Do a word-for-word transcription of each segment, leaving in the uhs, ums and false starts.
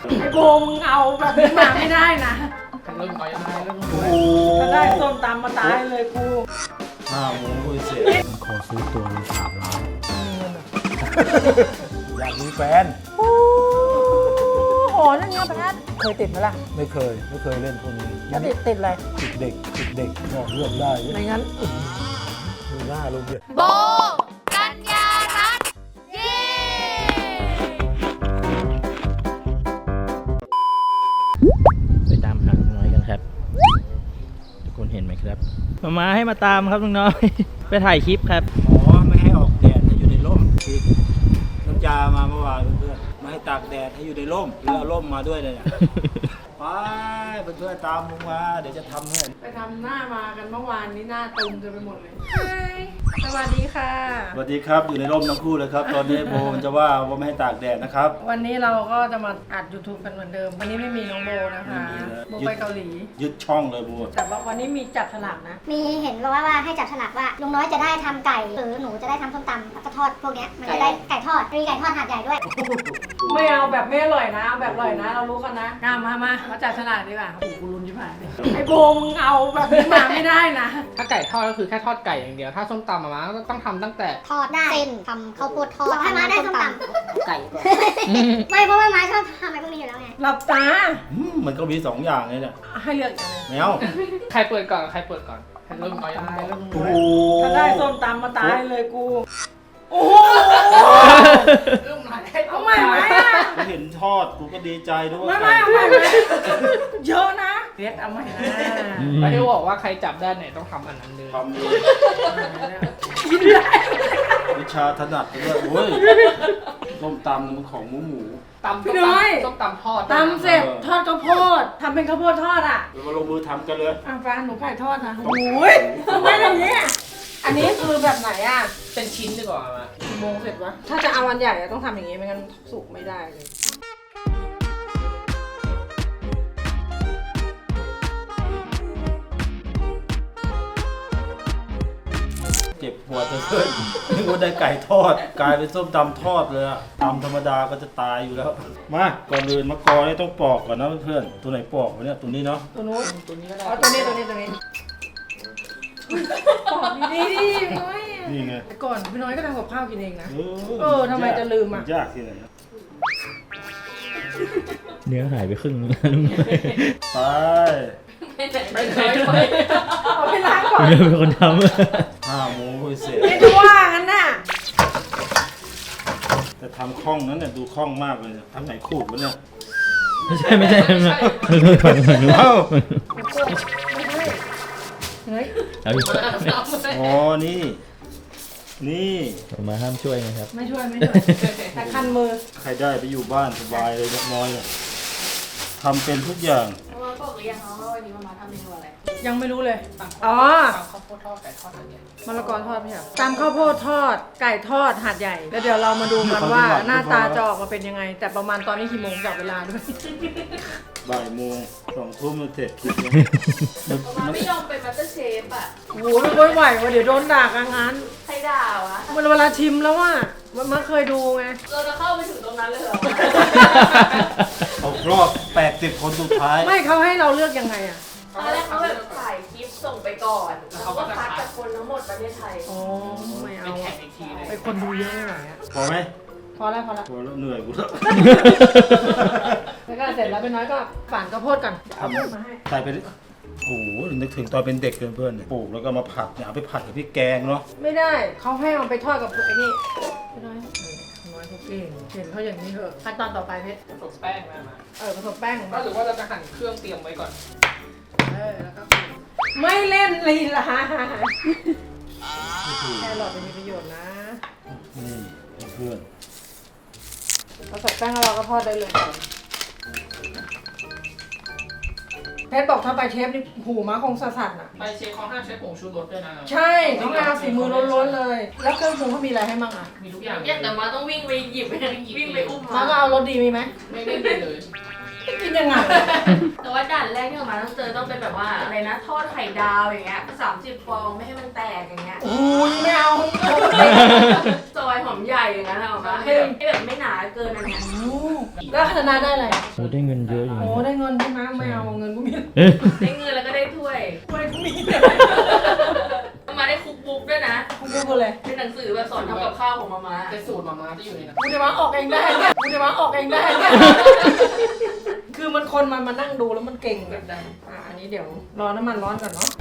ไอ้โบมึงเอาแบบนี้มาไม่ได้นะเริ่มต่อยตายเริ่มโอ้โหถ้าได้ส้มตำมาตายเลยกูห้าโมงคุยเสร็จขอซื้อตัวเลยสามล้านอยากมีแฟนโอ้โหนั่นไงแพทเคยติดไหมล่ะไม่เคยไม่เคยเล่นพวกนี้แล้วติดติดอะไรติดเด็กติดเด็กบอกเลือกได้ไม่งั้นดูหน้าลงเลยโบกัญญารัตน์เย้ไปตามหาลุงน้อยกันครับทุกคนเห็นไหมครับมามาให้มาตามครับลุงน้อย ไปถ่ายคลิปครับอ๋อไม่ให้ออกแดดให้อยู่ในร่มที่น้ำจามาเมื่อวานเพื่อนๆไม่ให้ตากแดดให้อยู่ในร่มหรือเอาร่มมาด้วยเลยเนี่ยไปเพื่อนๆตามลุงมาเดี๋ยวจะทำให้ไปทำหน้ามากันเมื่อวานนี้หน้าตึงจนไปหมดเลยสวัสดีค่ะสวัสดีครับอยู่ในร่มทั้งคู่เลยครับตอนนี้โบมันจะว่าว่าไม่ให้ตากแดดนะครับวันนี้เราก็จะมาอัด YouTube กันเหมือนเดิม วันนี้ไม่มีน้องโบนะคะไม่มีแล้วโบไปเกาหลียึดช่องเลยโบแต่ว่าวันนี้มีจับฉลากนะมีเห็นว่าว่าให้จับฉลากว่าลุงน้อยจะได้ทำไก่หรือหนูจะได้ทำส้มตำแล้วก็ทอดพวกเนี้ยมันจะได้ไก่ทอดมีไก่ทอดหาดใหญ่ด้วยไม่เอาแบบไม่อร่อยนะเอาแบบอร่อยนะ เรารู้กันนะงามมามามาจับฉลากดีกว่าโอ้โหกูรุนชิบหายเลยไอ้โบมึงเอาแบบนี้มาไม่ได้นะถ้าไก่ทอดก็คือแค่ทอดไก่อย่างเดียวถ้าส้มตำมาก็ต้องทำตั้งแต่ทอดได้เส้นทำข้าวโพดทอดให้มาได้ส้มตำไก่ไม่เพราะว่ามาชอบทำอะไรพวกนี้อยู่แล้วไงหลับตาอืมมันก็มีสองอย่างเลยเนี่ยให้เลือกอย่างหนึงแมวใครเปิดก่อนใครเปิดก่อนเริ่มต่อยตายตายแล้วมึงโอ้ด้วยโหถ้าได้ส้มตำมาตายเลยกู โอ้โหเริ่มหน่อยเอาใหม่ไหมอ่ะกูเห็นทอดกูก็ดีใจด้วยไม่ไม่เอาใหม่ไหมเยอะนะเพชรเอาใหม่นะไม่ได้บอกว่าใครจับได้ไหนต้องทำอันนั้นเลยทำเลยกินได้วิชาถนัดด้วยโอ้ยต้มตำมันของหมูหมูตำส้มตำส้มตำทอดตำเสร็จทอดข้าวโพดทำเป็นข้าวโพดทอดอ่ะเรามาลงมือทำกันเลยอ่ะฟ้าหนูไก่ทอดนะโอ้ยทำไมอย่างนี้ยอันนี้คือแบบไหนอ่ะเป็นชิ้นดีกว่ามากี่โมงเสร็จวะถ้าจะเอาวันใหญ่อะต้องทำอย่างนี้ไม่งั้นสุกไม่ได้เลยเจ็บหัวจะเกินนึกว่าได้ไก่ทอดกลายเป็นส้มตำทอดเลยอะตำธรรมดาก็จะตายอยู่แล้วมาก่อนอื่นมะกอนี่ต้องปอกก่อนนะเพื่อนๆตัวไหนปอกวะเนี่ยตัวนี้เนาะตัวนู้นตัวนี้ก็ได้อ๋อตัวนี้ตัวนี้ตัวนี้บอกดีๆดิพี่น้อยอะนี่ไงแต่ก่อนพี่น้อยก็ทำกับข้าวกินเองนะเอเออทำไมจะลืมอะยากที่ไหนอะเนื้อหายไปครึ่งนึงแล้วลุงน้อยไปไม่ใช่เอาไปล้างก่อนเนื้อเป็นคนทห้าโมงคุยเสร็จไม่ดูว่างั้นน่ะแต่ทำคล่องนั้นเนี่ยดูคล่องมากเลยเนี่ยทำไหนขูดวะเนี่ยำไม่ใช่ไม่ใช่ไม่ใช่ลุงน้อยก่อนก่อนลุงเอ้าเฮ้ยเอาอีกอ๋อนี่นี่ผมมาห้ามช่วยนะครับไม่ช่วยไม่ช่วยแต่คันมือใครได้ไปอยู่บ้านสบายเลยเล็กน้อยเนี่ยทำเป็นทุกอย่างมาบอกหรือยังว่าวันนี้มามาทำเมนูอะไรยังไม่รู้เลยอ๋อ๋ออข้าวโพดทอดไก่ทอดอันเนี้ยมะละกอทอดไม่ใช่เหรอตำข้าวโพดทอด ไก่ทอดหาดใหญ่ แล้วเดี๋ยวเรามาดูกันว่าหน้าตาจะออกมาเป็นยังไง แต่ประมาณตอนนี้กี่โมงจับเวลาด้วยบ่ายโมงสองทุ่มมันเสร็จคลิปเนี่ยมาไม่ยอมเป็นมาสเตอร์เชฟอ่ะโอ้โหไม่ไหวว่ะเดี๋ยวโดนด่ากลางงานใครด่าวะมันเวลาชิมแล้วว่ามันไม่เคยดูไงเราจะเข้าไปถึงตรงนั้นเลยเหรอเอารอบแปดสิบคนสุดท้ายไม่เขาให้เราเลือกยังไงอ่ะตอนแรกเขาแบบถ่ายคลิปส่งไปก่อนแล้วเขาก็คัดจากคนทั้งหมดประเทศไทยอ๋อไม่เอาเป็นแข่งอีกทีเลยไปคนดูเยอะไม่ไหวอ่ะพอไหมพอแล้วพอแล้วพอแล้วเหนื่อยกูแล้วแล้วก็เสร็จแล้วเป็นน้อยก็ฝานข้าวโพดกันเอาข้าวโพดมาให้ใส่ไปดิโอ้โหนึกถึงตอนเป็นเด็กเพื่อนๆเนี่ยปลูกแล้วก็มาผัดเนี่ยเอาไปผัดกับพริกแกงเนาะไม่ได้เขาให้เอาไปทอดกับไอ้นี่ไม่ได้น้อยเขาเก่งเห็นเขาอย่างนี้เถอะขั้นตอนต่อไปเพชรผสมแป้งมามาเออผสมแป้งก็หรือว่าเราจะหั่นเครื่องเตรียมไว้ก่อนเออแล้วก็ไม่เล่นลีลาแครอทจะมีประโยชน์นะนี่เพื่อนผสมแป้งแล้วเราก็ทอดได้เลยเพชรบอกถ้าไปเทปนี่หูม้าคงสะสัดน่ะไปเชฟเขาห้ามใช้ผงชูรสด้วยนะใช่ต้องเอาสีมือล้วนๆเลย แล้วเครื่องปรุงเขามีอะไรให้มั่งอ่ะมีทุกอย่างอยากแต่มาต้องวิ่งไปหยิบไปวิ่งไปอุ้มม้ามาก็เอารสดีมีไหมไม่ได้ดีเลยมจะกินยังไงแต่ว่าด่านแรกที่ออกมาต้องเจอต้องเป็นแบบว่าอะไรนะทอดไข่ดาวอย่างเงี้ยสามสิบฟองไม่ให้มันแตกอย่างเงี้ยอุ้ยไม่เอาซอยหอมใหญ่อย่างนั้นออกมาให้แบบให้แบบไม่หนาเกินอันเนี้ยแล้วคณะได้อะไรโอ้ได้เงินเยอะอยู่โอ้นะได้เงินใช่ไหมไม่เอาเงินกูมีเอ๊ะได้เงินแล้วก็ได้ถ้วยกูได้กูมีเอามาได้คุกบุ๊กด้วยนะกูกูกูเลยเป็นหนังสือแบบสอนทำกับข้าวของมาม่าเป็นสูตรมาม่าที่อยู่ในนั้นกูจะมาออกเองได้เนี่ยกูจะมาออกเองได้เนี่ยคือมันคนมันมานั่งดูแล้วมันเก่งแบบนั้นอ่ะอันนี้เดี๋ยวรอน้ำมันร้อนก่อนเนาะ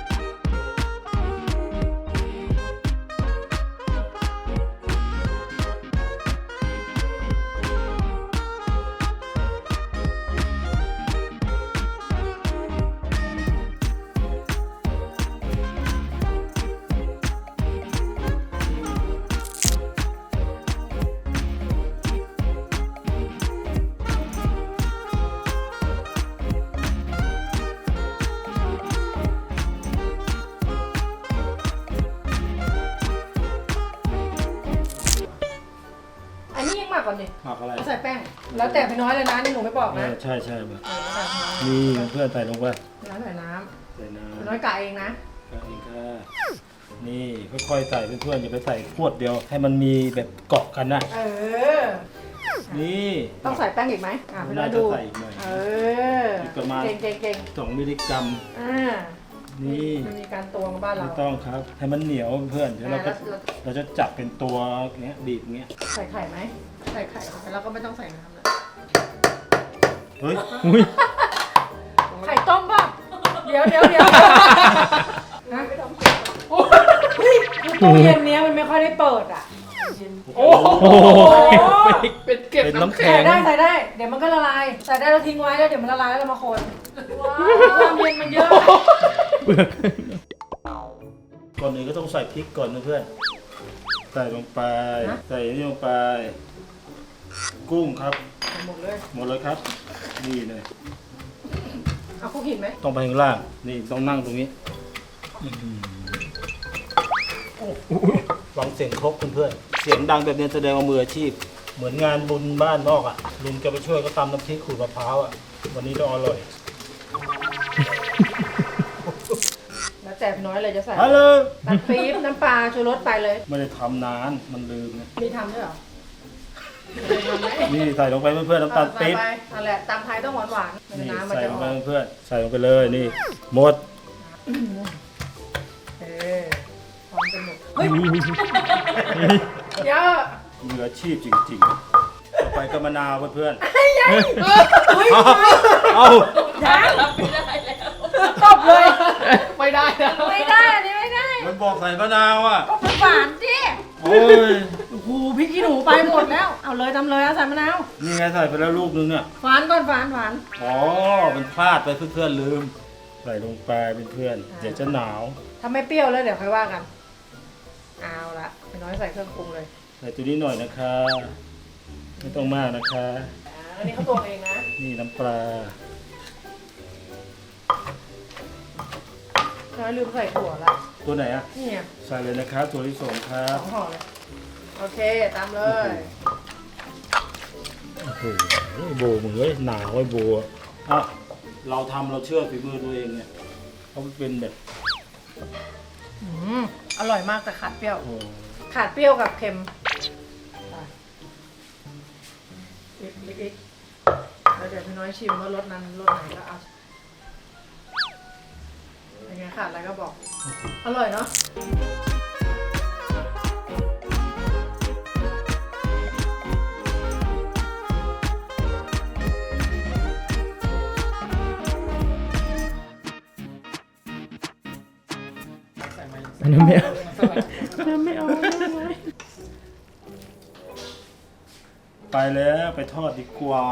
อันนี้ยังหมักก่อนดิหมักอะไรใส่แป้ง แล้วแต่พี่น้อยเลยนะนี่หนูไม่บอกเอนะอใช่ใช่แบบเออแล้วแต่พี่น้อยนี่เพื่อนใส่ลงไปแล้วใส่น้ใส่น้ำพี่น้อยกะเองนะำก็เองค่ะนี่ค่อยๆใส่เพื่อนๆอย่าไปใส่พรวดเดียว ให้มันมีแบบเกาะกันนะเออนี่ต้องใส่แป้งอีกไหมอ่ะพี่น้อยน่าจะดูใส่อีกหน่อยเอออีกประมาณเก่งเก่งเก่งสองมิลลิกรัมอ่านี่มันมีการตวงบ้านเราไม่ต้องครับ ให้มันเหนียวเพื่อนเดี๋ยวเราอ่าก็แล้วเราจะจับเป็นตัวเงี้ยบีบเงี้ยใส่ไข่ไหมใส่ไข่แล้วก็ไม่ต้องใส่น้ำเลยเฮ้ยอุ้ยไข่ต้มป่ะเดี๋ยวเดี๋ยวเดี๋ยวนะโอ้ยคือตู้เย็นเนี้ยมันไม่ค่อยได้เปิดอ่ะ โอ้โหโอ้โหเป็นเก็บเป็นน้ำน้ำแข็แข็ใส่งได้ใส่ได้ เดี๋ยวมันก็ละลาย ใส่ได้แล้วทิ้งไว้แล้วเดี๋ยวมันละลายแล้วเรามาคนว้าวความเย็นมันเยอะเปลือกก่อนอื่นก็ต้องใส่พริกก่อนนะเพื่อน ใส่ลงไป ใส่นี่ลงไป กุ้งครับหมดเลยหมดเลยครับ นี่เลยเอาคุกหินไหมต้องไปข้างล่าง นี่ต้องนั่งตรงนี้ฟังเสียงครบเพื่อนๆเสียงดังแบบนี้แสดงว่ามืออาชีพ เหมือนงานบุญบ้านนอกอ่ะ ลุงแกไปช่วยก็ตำน้ำพริกขูดมะพร้าวอ่ะ วันนี้ต้องอร่อยแล้วแต่พี่น้อยเลยจะใส่ฮัลโหลน้ำปี๊บน้ำปลาชูรสไปเลยไม่ได้ทำนาน มันลืมนะมีทำด้วยเหรอมีทำไหมนี่ใส่ลงไปเพื่อนๆน้ำตาลปี๊บใส่ไปนั่นแหละตำไทยต้องหวานหวานๆนี่น้ำมันใส่จะลองไปอกเพื่อนๆใส่ลงไปเลยนี่หมดเออพร้อมกันหมดเฮ้ยเยอะมืออาชีพจริงๆต่อไปก็มะนาวเพื่อนๆเฮ้ยเอายังรับไม่ได้แล้วตบเลยไม่ได้นะไม่ได้อันนี้ไม่ได้มันบอกใส่มะนาวอ่ะก็มันหวานดิโอ้ยโอ้โหพริกขี้หนูไปหมดแล้ว เอาเลยทำเลยเอาใส่มะนาวนี่ไงใส่ไปแล้วลูกนึงเนี่ยหวานก่อนหวานหวานอ๋อ มันพลาดไปเพื่อนๆลืม ใส่ลงไปเพื่อนๆเดี๋ยวจะหนาวถ้าไม่เปรี้ยวแล้วเดี๋ยวค่อยว่ากัน เอาละพี่น้อยใส่เครื่องปรุงเลยใส่ตัวนี้หน่อยนะคะ ไม่ต้องมากนะคะอ่าอันนี้เขาตวงเองนะนี่น้ำปลาน้อยลืมใส่ถั่วละตัวไหนอ่ะนี่ไงใส่เลยนะครับตัวที่สองครัสบองห่อเลย โอเค ตามเลยโอ้โหโบมือเว้ยหนาวไอ้โบอะอ่ะเราทำเราเชื่อฝีมือตัวเองเนี่ยเขาเป็นแบบอืมอร่อยมากแต่ขาดเปรี้ยวโอ้ขาดเปรี้ยวกับเค็มไปอีกอีกอีกแล้วเดี๋ยวพี่น้อยชิมว่ารสนั้นรสไหนก็เอาเป็นไงขาดอะไรก็บอก อร่อยเนาะอันนั้นไม่เอาไม่เอาไปแล้วไปทอดดีกว่า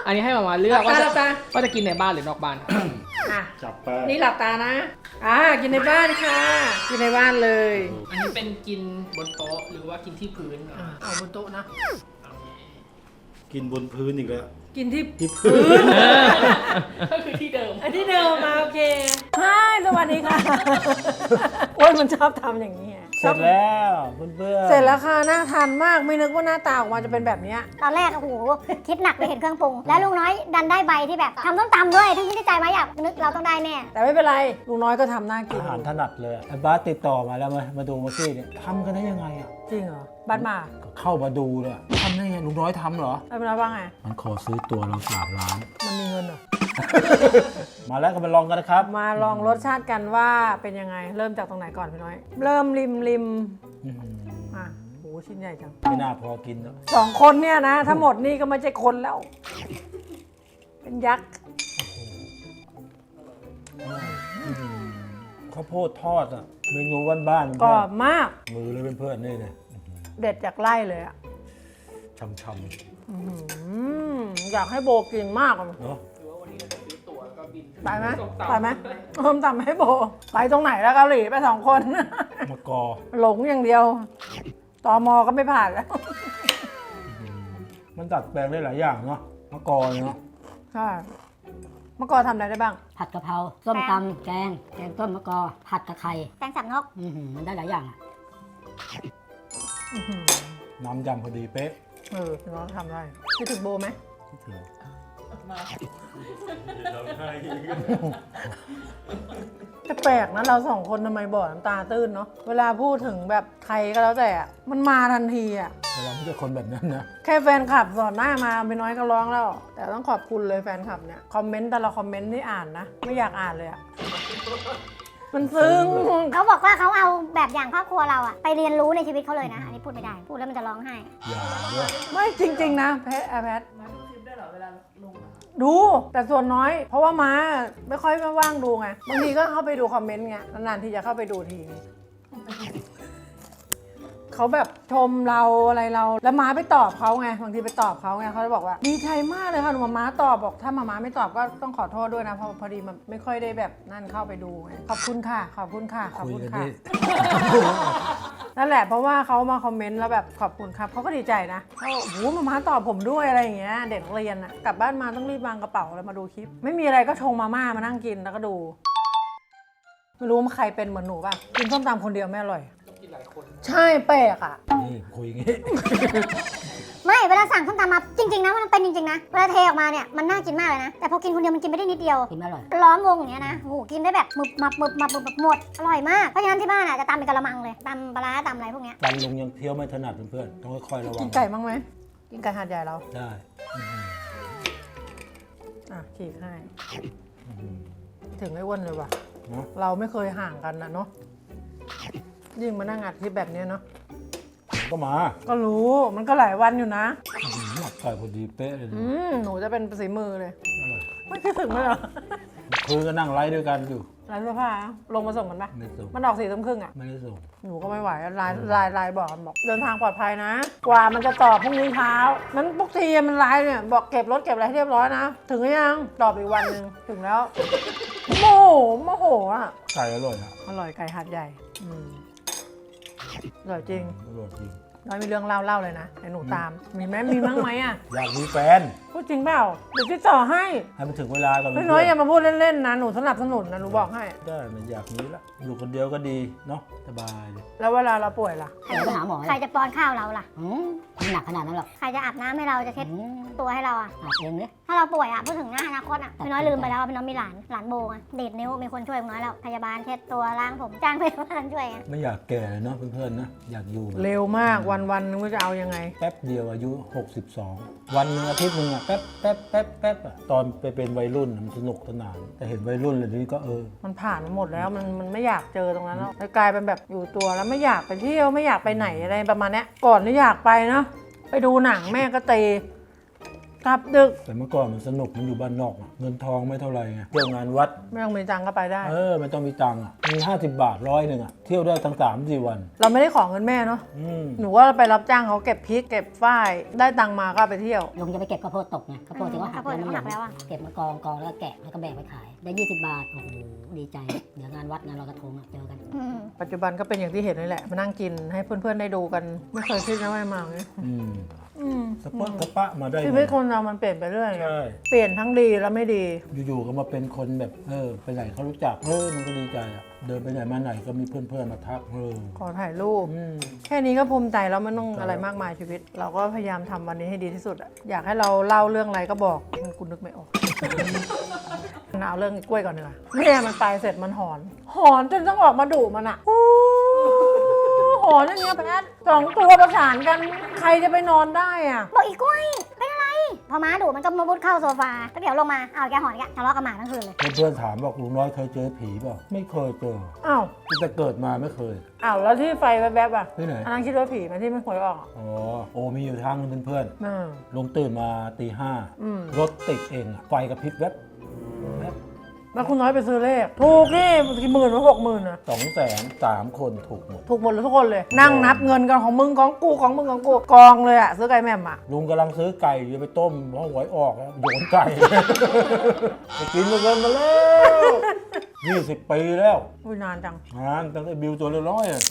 อันนี้ให้มามาเลือกว่าหจะลับตาว่าจะกินในบ้านหรือนอกบ้านครับอ่ะจับไปนี่หลับตานะ อ่า กินในบ้านค่ะ กินในบ้านเลยอันนี้เป็นกินบนโต๊ะหรือว่ากินที่พื้นอ่าเอาบนโต๊ะนะกินบนพื้นอีกแล้วกินที่ที่พื้นก็คือที่เดิมอันที่เดิมมาโอเคใช่สวัสดีค่ะโอ้ยมันชอบทำอย่างนี้อะเสร็จแล้วเพื่อนๆเสร็จแล้วค่ะ น่าทานมาก ไม่นึกว่าหน้าตาออกมาจะเป็นแบบเนี้ยตอนแรกโอ้โหคิดหนักเลยเห็นเครื่องปรุง แล้วลุงน้อยดันได้ใบที่แบบทำส้มตำด้วยทั้งที่ใจไหมอยากนึกเราต้องได้แน่แต่ไม่เป็นไร ลุงน้อยก็ทำน่ากินอาหารถนัดเลยไอ้บาสติดต่อมาแล้วมามาดูเมื่อกี้เนี่ยทำกันได้ยังไงอ่ะจริงเหรอ บ้านมาก็เข้ามาดูเลยทำได้ไงลุงน้อยทำเหรอแล้วเป็นว่าไงมันขอซื้อตัวเราสามล้านมันมีเงินเหรอมาแล้วก็มาลองกันนะครับมาลองรสชาติกันว่าเป็นยังไง เริ่มจากตรงไหนก่อนพี่น้อย เริ่มริมริมอื้อหืออ่ะโหชิ้นใหญ่จังไม่น่าพอกินแล้วสองคนเนี่ยนะ ถ้าหมดนี่ก็ไม่ใช่คนแล้ว เป็นยักษ์ข้าวโพดทอดอ่ะเมนูบ้านๆกรอบมากมือเลยเพื่อนๆนี่เลยเด็ดจากไร่เลยอ่ะช่ำอื้อหืออยากให้โบกินมากอะๆเนาะหรือว่าวันนี้เราจะซื้อตั๋วแล้วก็บินไปไหมส้ตำไปไหมเพิ่มตำให้โบ ไปตรงไหนแล้วเกาหลีไปสองคนมะกอหลงอย่างเดียวตมก็ไม่ผ่านแล้วมันดัดแปลงได้หลายอย่างเนาะมะกอเนาะใช่เมื่อก่อนทำอะไรได้บ้างผัดกะเพราส้มตำแกง แกงต้มมะกอ ผัดกะไข่แตงสับนกอื้อหือมันได้หลายอย่างอะอื้อหือน้ำยำพอดีเป๊ะเออพี่น้องทำได้คิดถึงโบไหมคิดถึงจะแปลกนะเราสองคนทำไมบ่อน้ำตาตื้นเนาะเวลาพูดถึงแบบใครก็แล้วแต่อะมันมาทันทีอ่ะแต่เราไม่ใช่คนแบบนั้นนะแค่แฟนคลับสอนหน้ามาไปน้อยก็ร้องแล้ว แต่ต้องขอบคุณเลยแฟนคลับเนี่ยคอมเมนต์แต่ละคอมเมนต์ที่อ่านนะ ไม่อยากอ่านเลยอะมันซึ้งเขาบอกว่าเขาเอาแบบอย่างครอบครัวเราอะไปเรียนรู้ในชีวิตเขาเลยนะ อันนี้พูดไม่ได้ พูดแล้วมันจะร้องไห้อย่าด้วยไม่จริง ๆ นะแพทแพทมาดูคลิปได้เหรอเวลาลงอะดูแต่ส่วนน้อย เพราะว่าม้าไม่ค่อยว่างดูไงบางทีก็เข้าไปดูคอมเมนต์ไงนานๆที่จะเข้าไปดูทีเขาแบบชมเราอะไรเราแล้วม้าไปตอบเขาไงบางทีไปตอบเขาไงเขาจะบอกว่าดีใจมากเลยค่ะหนูมาม้าตอบบอกถ้ามาม้าไม่ตอบก็ต้องขอโทษด้วยนะเพราะพอดีมันไม่ค่อยได้แบบนั่นเข้าไปดูไงขอบคุณค่ะขอบคุณค่ะขอบคุยคุณกันค่ะดินั่นแหละเพราะว่าเขามาคอมเมนต์แล้วแบบขอบคุณครับเขาก็ดีใจนะเขาบอกโอ้โหมาม้าตอบผมด้วยอะไรอย่างเงี้ยเด็กนักเรียนอะกลับบ้านมาต้องรีบวางกระเป๋าแล้วมาดูคลิป ไม่มีอะไรก็ชงมาม่ามานั่งกินแล้วก็ดูไม่รู้ว่าใครเป็นเหมือนหนูป่ะกินส้มตำคนเดียวไม่อร่อยกินหลายคนใช่แปลกอะนี่คุยอย่างงี้ไม่เวลาสั่งส้มตำมาจริง ๆ นะมันเป็นจริง ๆ นะ เวลาเทออกมาเนี่ยมันน่ากินมากเลยนะ แต่พอกินคนเดียวมันกินไม่ได้นิดเดียวกินไม่อร่อยล้อมวงอย่างเงี้ยนะโอ้โหกินได้แบบมึบมับมึบมับมึบมับหมด อร่อยมาก เพราะฉะนั้นที่บ้านอ่ะจะตำเป็นกะละมังเลยตำปลาร้าตำอะไรพวกเนี้ยตันลุงยังเคี้ยวไม่ถนัดเพื่อนๆต้องค่อยๆระวักิงนไก่บ้างไหมกินไก่หาดใหญ่เราได้อ่ะฉีกให้อื้อหือถึงไม่อ้วนเลยว่ะเนาะเราไม่เคยห่างกันนะเนาะยิ่งมานั่งอัดคลิปแบบเนี้ยเนาะผมก็มาก็รู้มันก็หลายวันอยู่นะอื้อหือหมักไก่พอดีเป๊ะเลยอืมหนูจะเป็นสีมือเลยอร่อยไม่คิดถึงเลยเหรอคืนก็นั่งไลฟ์ด้วยกันอยู่ร้านเสื้อผ้าลงมาส่งกันปะไม่ส่งมันออกสี่ทุ่มครึ่งอ่ะไม่ได้ส่งหนูก็ไม่ไหวไลน์ไลน์ไลน์บอกกันบอก เดินทางปลอดภัยนะ กว่ามันจะตอบพรุ่งนี้เช้า มันปกติมันไลน์เนี่ยบอกเก็บรถเก็บอะไรให้เรียบร้อยนะ ถึงหรือยัง ตอบอีกวันหนึ่งถึงแล้วโมโหโมโหอ่ะไก่อร่อยนะอร่อยไก่หัดใหญ่ อืมอร่อยจริงอร่อยจริงน้อยมีเรื่องเล่าเล่าเลยนะไอ้หนูตาม มีไหมมีมั้งไหมอ่ะอยากมีแฟนพูดจริงเปล่าเดี๋ยวติดต่อให้ให้มันถึงเวลาก่อนพี่น้อยอย่ามาพูดเล่นๆนะหนูสนับสนุนนะหนูบอกให้ได้มันอยากมีละอยู่คนเดียวก็ดีเนาะสบายเลยแล้วเวลาเราป่วยล่ะเดี๋ยวไปหาหมอใครจะป้อนข้าวเราล่ะอืมไม่หนักขนาดนั้นหรอกใครจะอาบน้ำให้เราจะเช็ดอืมตัวให้เราอะอาบเองเลยถ้าเราป่วยอะพูดถึงหน้าอนาคตอะพี่น้อยลืมไปแล้วว่าพี่น้อยมีหลาน หลานโบไงดีดนิ้วมีคนช่วยพี่น้อยแล้ว พยาบาลเช็ดตัวล้างผมจ้างพยาบาลช่วยไงไม่อยากแก่เลยเนาะเพื่อนๆนะอยากอยู่แบบเร็วมากวันวันๆนึงว่าจะเอายังไงแป๊บเดียวอายุหกสิบสองวันหนึงอาทิตย์หนึงอะแป๊บแป๊บแป๊บแป๊บอะตอนไปเป็นวัยรุ่นมันสนุกสนานแต่เห็นวัยรุ่นเลยนี้ก็เออมันผ่านมาหมดแล้วมันมันไม่อยากเจอตรงนั้นแล้วเลยกลายเป็นแบบอยู่ตัวแล้วไม่อยากไปเที่ยวไม่อยากไปไหนอะไรประมาณเนี้ยก่อนที่อยากไปเนาะไปดูหนังแม่ก็เตะกลับดึกแต่เมื่อก่อนมันสนุกมันอยู่บ้านนอกอะเงินทองไม่เท่าไหร่ไงเที่ยวงานวัดไม่ต้องมีตังค์ก็ไปได้เออไม่ต้องมีตังค์อะมีห้าสิบบาทร้อยหนึ่งอะเที่ยวได้ทั้งสามสี่วันเราไม่ได้ขอเงินแม่เนาะอืมหนูว่าไปรับจ้างเขาเก็บพริกเก็บฝ้ายได้ตังค์มาก็เอาไปเที่ยวลุงจะไปเก็บข้าวโพดตกไงข้าวโพดที่เขาหักข้าวโพดที่เขาหักแล้วอะเก็บมากองกองแล้วก็แกะแล้วก็แบกไปขาย ได้ยี่สิบบาท โอ้โห ดีใจ เดี๋ยวงานวัดงานลอยกระทงอะเจอกันอืมปัจจุบันก็เป็นอย่างที่เห็นนี่แหละ มานั่งกินให้เพื่อนๆได้ดูกัน ไม่เคยคิดนะว่าจะมาอย่างนี้อืมอืมสปะสปะมาได้ชีวิตคนเรามันเปลี่ยนไปเรื่อยใช่เปลี่ยนทั้งดีและไม่ดีอยู่ๆก็มาเป็นคนแบบเออไปไหนเขารู้จักเออมันก็ดีใจอะเดินไปไหนมาไหนก็มีเพื่อนๆมาทักเออขอถ่ายรูปอืมแค่นี้ก็ภูมิใจแล้วไม่ต้องอะไรมากมายชีวิต เราก็พยายามทำวันนี้ให้ดีที่สุดอะอยากให้เราเล่าเรื่องอะไรก็บอกกูนึกไม่ออก เอาเรื่องกล้วยก่อนดีกว่าแม่มันตายเสร็จมันหอน หอนจนต้องออกมาดุมันอะอู้หอนอย่างเงี้ยแพทสองตัวประสานกันใครจะไปนอนได้อะบอกอีกกล้วยเป็นอะไร พอม้าดุมันก็มาบุดเข้าโซฟาแล้วเดี๋ยวลงมาเอาแกหอนแกทะเลาะกับหมาทั้งคืนเลยเพื่อนๆถามบอกลุงน้อยเคยเจอผีเปล่าไม่เคยเจออ้าวตั้งแต่เกิดมาไม่เคยอ้าวแล้วที่ไฟแวบๆอะที่ไหนอันนั้นคิดว่าผีไหมันที่มันหวยออกอะอ๋อโอมีอยู่ทางนึงเพื่อนอืมๆลุงตื่นมาตีห้าอืมรถติดเองอะไฟกระพริบแวบแวบแล้วคุณน้อยไปซื้อเลขถูกนี่กี่หมื่นหรือหกหมื่นอะสองแสนสามคนถูกหมดถูกหมดเลยทุกคนเลย นั่งนับเงินกันของมึงของกูของมึงของกูกองเลยอะซื้อไก่แม่มอะลุงกำลังซื้อไก่อยู่ไปต้มเพราะหวยออกแล้วโยนไก่ ไปกินมาเกินมาแล้วยี่สิบปีแล้วอุ้ยนานจังงานตั้งแต่บิวตัวละร้อยอะ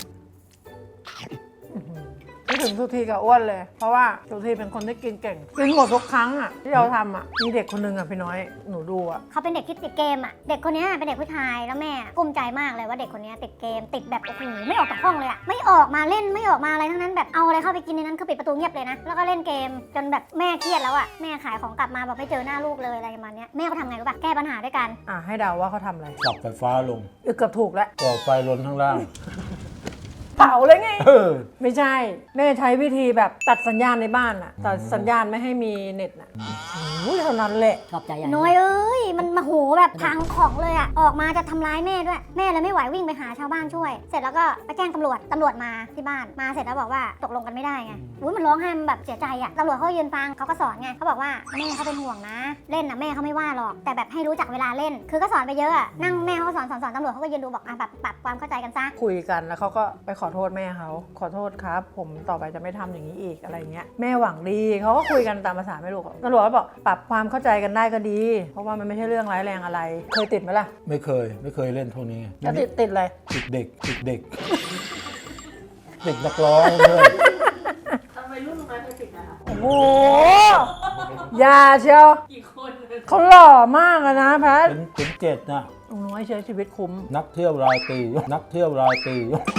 ไม่ถึงทุกทีกับอ้วนเลย เพราะว่าทุกทีเป็นคนที่กินเก่งกินหมดทุกครั้งอะที่เราทำอะมีเด็กคนนึงอะพี่น้อยหนูดูอะเขาเป็นเด็กที่ติดเกมอ่ะ เด็กคนนี้เป็นเด็กผู้ชายแล้วแม่กลุ้มใจมากเลยว่าเด็กคนนี้ติดเกมติดแบบโอ้โหไม่ออกจากห้องเลยอ่ะไม่ออกมาเล่นไม่ออกมาอะไรทั้งนั้นแบบเอาอะไรเข้าไปกินในนั้นคือปิดประตูเงียบเลยนะแล้วก็เล่นเกมจนแบบแม่เครียดแล้วอ่ะแม่ขายของกลับมาแบบไม่เจอหน้าลูกเลยอะไรประมาณเนี้ยแม่ก็ทำไงรู้ป่ะแก้ปัญหาด้วยกันอ่ะให้เดาว่าเขาทำอะไรสับไฟฟ้าลงเออเกือบถูกแล้วก่อไฟล้นข้างล่างเผาเลยไงเออไม่ใช่แม่ใช้วิธีแบบตัดสัญญาณในบ้านอะตัดสัญญาณไม่ให้มีเน็ตอะโอ้ยเท่านั้นแหละชอบใจใหญ่น้อยเอ้ยมันมาโหแบบพังของเลยอ่ะออกมาจะทำร้ายแม่ด้วยแม่เลยไม่ไหววิ่งไปหาชาวบ้านช่วย เสร็จแล้วก็ไปแจ้งตำรวจตำรวจมาที่บ้านมาเสร็จแล้วบอกว่าตกลงกันไม่ได้ไงอุ้ยมันร้องไห้มันแบบเสียใจอ่ะตำรวจเขายืนฟังเขาก็สอนไงเขาบอกว่าแม่เขาเป็นห่วงนะ เล่นนะแม่เขาไม่ว่าหรอกแต่แบบให้รู้จักเวลาเล่น คือก็สอนไปเยอะอะนั่งแม่เขาก็สอนสอนสอนตำรวจเขาก็ยืนดูบอกอ่ะแบบปรับความเข้าใจกันซะคุยกันแล้วเขาก็ไปขอโทษแม่เขาขอโทษครับ ผมต่อไปจะไม่ทำอย่างนี้อีกอะไรเงี้ยแม่หวังดีเขาก็คุยกันตามภาษาแม่ลูกตำรวจก็บอกปรับความเข้าใจกันได้ก็ดี เพราะว่ามันไม่ใช่เรื่องร้ายแรงอะไร เคยติดไหมล่ะไม่เคย ไม่เคยเล่นพวกนี้แล้วติดติดอะไรติดเด็กติดเด็ก ติดนักร้องเพื่อนทำไมรุ่นน้อยเคยติดนะคะโอ้โหอยาเชียวกี่คนเขาหล่อมากอะนะแพทเป็นเป็นเจ็ดนะลุงน้อยใช้ชีวิตคุ้มนักเที่ยวรายปีนักเที่ยวรายปี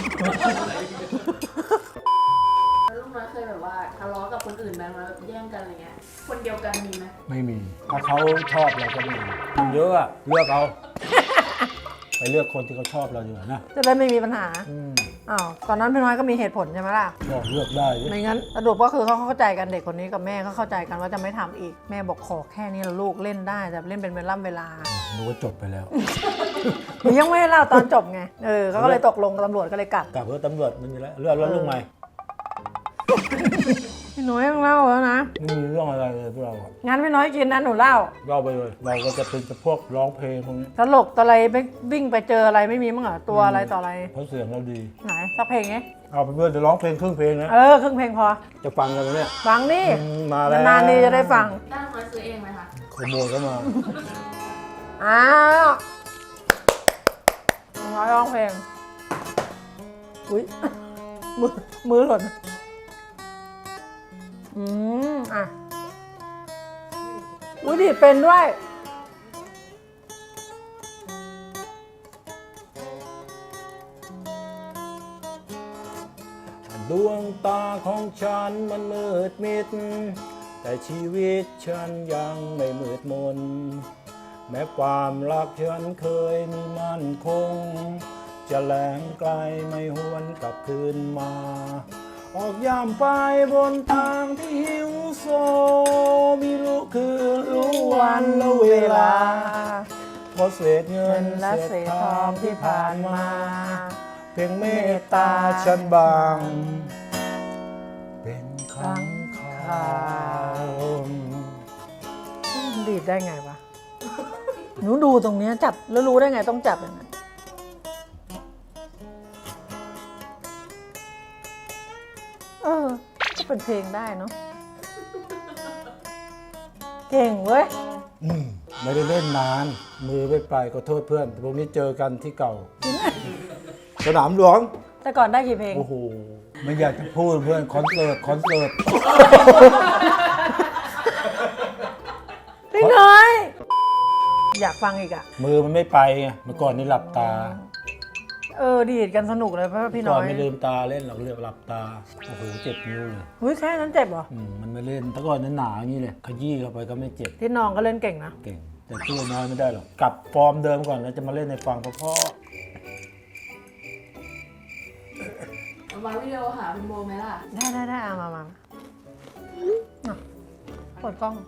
แล้วรุ่นน้อยเคยแบบว่าทะเลาะกับคนอื่นไหมแล้วแย่งกันอะไรเงี้ยคนเดียวกันมีไหมไม่มี ถ้าเขาชอบเราก็มีมันเยอะอะเลือกเอา ไปเลือกคนที่เขาชอบเราอยู่านะจะได้ไม่มีปัญหาอืมอ้าวตอนนั้นพี่น้อยก็มีเหตุผลใช่ไหมล่ะก็เลือกได้ดิไม่งั้นสรุปก็คือเขาเข้าใจกันเด็กคนนี้กับแม่เขาเข้าใจกันว่าจะไม่ทำอีกแม่บอกขอแค่นี้ละลูกเล่นได้แต่เล่นเป็นเวลาเวลาหนูก็จบไปแล้วหนูยังไม่ได้เล่าตอนจบไงเออเขาก็เลยตกลงกับตำรวจก็เลยกลับกลับเพื่อตำรวจมันมีแล้วเลือกแล้วลูกใหม่พี่น้อยต้องเล่าแล้วนะไม่มีเรื่องอะไรเลยพวกเราอะงั้นพี่น้อยกินนั้นหนูเล่าเล่าไปเลย เราก็จะเป็นพวกร้องเพลงพวกนี้ตลกตะไรไปวิ่งไปเจออะไรไม่มีมั้งเหรอตัวอะไรต่ออะไรเพราะเสียงเราดีไหนสักเพลงไงเอาไปเพื่อนจะร้องเพลงครึ่งเพลงนะเออครึ่งเพลงพอจะฟังกันไหมเนี่ยฟังนี่อืมมาแล้วนานๆนี่จะได้ฟังได้น้อยซื้อเองไหมคะขโมยเข้ามาอ้าวน้อยร้องเพลงอุ้ยมือมือหล่นอืมอ่ะอุ้ยดีดเป็นด้วยดวงตาของฉันมันมืดมิด แต่ชีวิตฉันยังไม่มืดมน แม้ความรักฉันเคยมีมั่นคง จะแหลงไกลไม่หวนกลับคืนมา ออกย่ำไปบนทางที่หิวโซมีรู้คือรู้วันและเวลาเพราะเศษเงิเงินนและเศษทองที่ผ่านมาเพียงเมตตาฉันบาง เป็นครั้งคราวดีดได้ไงวะ หนูดูตรงเนี้ยจับแล้วรู้ได้ไงต้องจับอย่างนั้นเออ ก็เป็นเพลงได้เนาะ เก่งเว้ยอืมไม่ได้เล่นนาน มือไม่ไปขอโทษเพื่อนพวกนี้เจอกันที่เก่า สนามหลวงแต่ก่อนได้กี่เพลงโอ้โห ไม่อยากจะพูดเพื่อน คอนเสิร์ต คอนเสิร์ตพี่น้อย อยากฟังอีกอ่ะมือมันไม่ไปไงเมื่อก่อนนี่หลับตาเออ ดีดกันสนุกเลยเพราะว่าพี่ก่น้ออน ยไม่ลืมตาเล่นหรอกเรียกหลับตา โอ้โห เจ็บนิ้วเลยหุ้ยแค่นั้นเจ็บเหรออืมมันไม่เล่นแต่ก่อนนั้นหนาอย่างนี้เลย ขยี้เข้าไปก็ไม่เจ็บที่น้องก็เล่นเก่งนะเก่ง แต่ตัวน้อยไม่ได้หรอก กลับฟอร์มเดิมก่อนแล้วจะมาเล่นในฟังเพราะเอามาวิดีโอหาคุณโบไหมล่ะได้ได้ได้เอามามามาเปิดกล้อง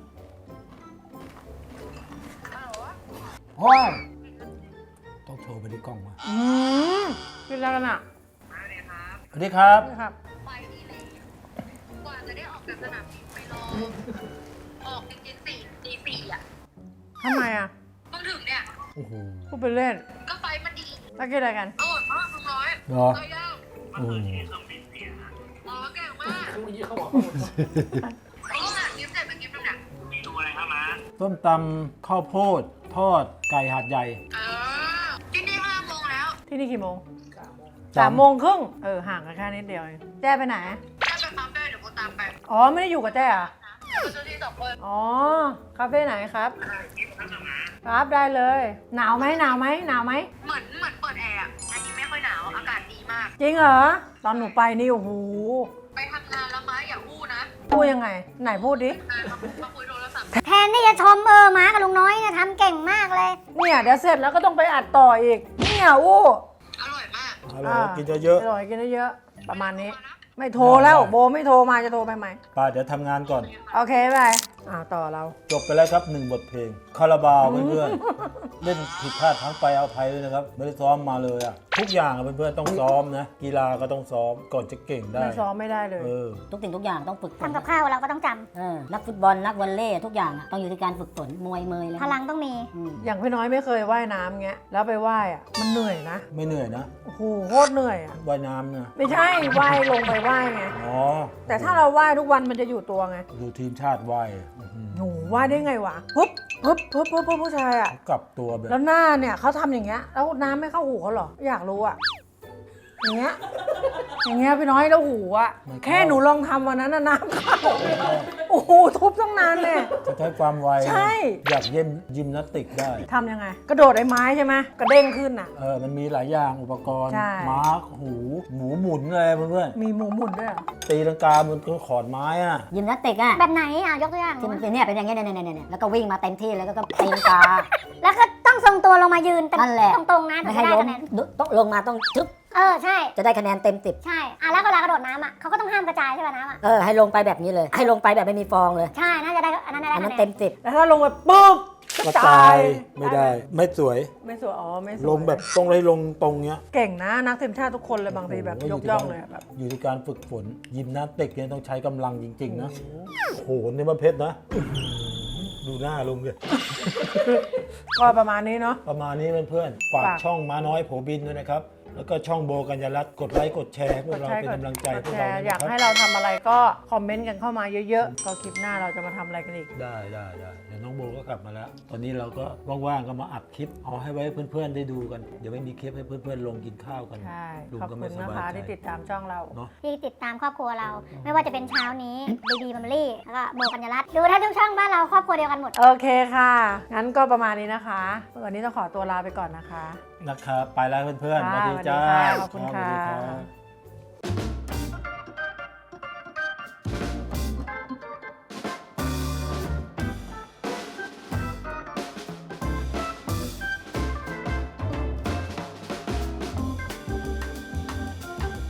ๆว้าวต้องโทรไปที่กล้องมาอืมกินแล้วกันอ่ะสวัสดีครับนี่ครับไปดีเลยกว่าจะได้ออกจากสนามบินไปรอ ออกจริงๆสี่ตีสี่อ่ะทำไมอ่ะเพิ่งถึงเนี่ยโอ้โหพูดไปเล่นก็ไฟมันดีแล้วกินอะไรกันอร่อยมากลุงน้อยเหรอก็ย่างอืมอ๋อเก่งมากเมื่อกี้เขาบอกเขาก็หากิฟต์เสร็จเป็นกิฟต์นึงเนี่ยต้มตำข้าวโพด ทอด ไก่หาดใหญ่เออที่นี่ห้าโมงแล้วที่นี่กี่โมงสามสามโมงครึ่งเออ ห่างกันแค่นิดเดียวเองแจ้ไปไหนถ้าไปปั๊มได้เดี๋ยวโบตามไปอ๋อ ไม่ได้อยู่กับแจ้อ่ะเราจะที่สองคนอ๋อ คาเฟ่ไหนครับ ครับได้เลย หนาวไหมหนาวไหมหนาวไหมเหมือนเหมือนเปิดแอร์อะอันนี้ไม่ค่อยหนาว อากาศดีมากจริงเหรอ ตอนหนูไปนี่โอ้โหไปทำงานแล้วม้าอย่าอู้นะพูดยังไง ไหนพูดดิเออมามาคุยโทรศัพท์แทนที่จะชมเออม้ากับลุงน้อยเนี่ยทำเก่งมากเลยเนี่ยเดี๋ยวเสร็จแล้วก็ต้องไปอัดต่ออีก เนี่ยอู้อร่อยมากอร่อยกินเยอะอร่อยกินเยอะๆประมาณนี้ ไม่โทรแล้วโบไม่โทรมาจะโทรไปไหมๆป้าเดี๋ยวทำงานก่อนโอเคไปอ่าต่อเราจบไปแล้วครับหนึ่งบทเพลง คาราบาวเพื่อนๆ เล่นผิดพลาดทั้งไปเอาภัยด้วยนะครับ ไม่ได้ซ้อมมาเลยอะทุกอย่างอะเพื่อนๆต้องซ้อมนะ กีฬาก็ต้องซ้อมก่อนจะเก่งได้ไม่ซ้อมไม่ได้เลยเออทุกสิ่งทุกอย่างต้องฝึกฝนทำกับข้าวเราก็ต้องจเออนักฟุตบอลนักวอลเลย์ทุกอย่างอะต้องอยู่ที่การฝึกฝนมวยเมยเลยำพลังต้องมีอืมอย่างพี่น้อยไม่เคยว่ายน้ำเงี้ย แล้วไปว่ายอ่ะ มันเหนื่อยนะไม่เหนื่อยนะโอ้โหโคตรเหนื่อยอ่ะว่ายน้ำเนี่ยไม่ใช่ว่ายลงไปว่ายไงอ๋อแต่ถ้าเราว่ายทุกวันมันจะอยู่ตัวไงดูทีมชาติว่ายอื้อหือหนูว่ายได้ไงวะปุ๊บปุ๊บปุ๊บปุ๊บปุ๊บผู้ชายอ่ะกลับตัวแบบแล้วหน้าเนี่ยเขาทำอย่างเงี้ย แล้วน้ำไม่เข้าหูเขาเหรอ อยากรู้อ่ะ อย่างเงี้ย อย่างเงี้ยพี่น้อยแล้วหูอ่ะ แค่หนูลองทำวันนั้นน่ะน้ำเข้า โอ้โหทุบตั้งนานเลยจะใช้ความไวใช่อยากเย็นยิมนาสติกได้ทำยังไง กระโดดไอ้ไม้ใช่ไหมกระเด้งขึ้นอ่ะเออ มันมีหลายอย่างอุปกรณ์ใช่ม้าหู หมูหมุนอะไรเพื่อนมีหมูหมุนด้วยเหรอๆตีลังกาบนขอนไม้อะยิมนาสติกอะแบบไหนอ่ะยกตัวอย่างที่มันเป็นเนี่ยเป็นอย่างเงี้ยเนี่ยเนี่ยเนี่ยแล้วก็วิ่งมาเต็มที่แล้วก็ก็ตีลังกาแล้วก็ต้องทรงตัวลงมายืนนั่นแหละตรงๆนะถึไม่งให้จะได้ล้มคะแนนต้องลงมาต้องทึบเออใช่จะได้คะแนนเต็มสิบใช่อ่ะแล้วเวลากระโดดน้ำอ่ะเขาก็ต้องห้ามกระจายใช่ป่ะน้ำอ่ะเออให้ลงไปแบบนี้เลย ให้ลงไปแบบไม่มีฟองเลยใช่น่าจะได้อันนั้นได้อันนั้นคะแนเต็นมสิบแล้วถ้าลงไปปุ๊บก็ตายไม่ได้ ไม่สวยไม่สวยอ๋อไม่สวยลงแบบต้องเลยลงตรงเนี้ยเก่งนะนักทีมชาติทุกคนเลยบางทีแบบโโหยกย่องเลยอะแบบอยู่ที่การฝึกฝน ยิมนาสติกเนี่ยต้องใช้กำลังจริง ๆ นะ โหนี่มันเพชรนะ ดูหน้าลุงเลยก็ประมาณนี้เนาะประมาณนี้เพื่อนๆฝากฝากช่องม้าน้อยโผบินด้วยนะครับ แล้วก็ช่องโบกัญญารัตน์กดไลค์กดแชร์ให้พวกเราเป็นกำลังใจกดพวกแชเราร์ด้วยอยากนะคให้รับเราทำอะไรก็คอมเมนต์กันเข้ามาเยอะๆ ก็คลิปหน้าเราจะมาทำอะไรกันอีกได้ได้ได้เดี๋ยวน้องโบก็กลับมาแล้ว ตอนนี้เราก็ว่างๆก็มาอัดคลิปเอาให้ไว้เพื่อนๆได้ดูกัน เดี๋ยวไม่มีคลิปให้เพื่อนๆลงกินข้าวกันใช่ลุงขอบก็คุไม่ณสนะบายคะใจที่ติดตามช่องเราเนาะที่ติดตามครอบครัวเรา ไม่ว่าจะเป็นเช้านี้บีบีบัมลี่แล้วก็โบกัญญารัตน์ดูถ้าทุกช่องบ้านเราครอบครัวเดียวกันหมดโอเคค่ะ งั้นก็ประมาณนี้นะคะ วันนี้ต้องขอตัวลาไปก่อนนะคะนะครับไปแล้วเพื่อนๆสค่ะวัสดีจ้าสวัสดีค่ะขอบคุณรับสวัสดีค่ะรับ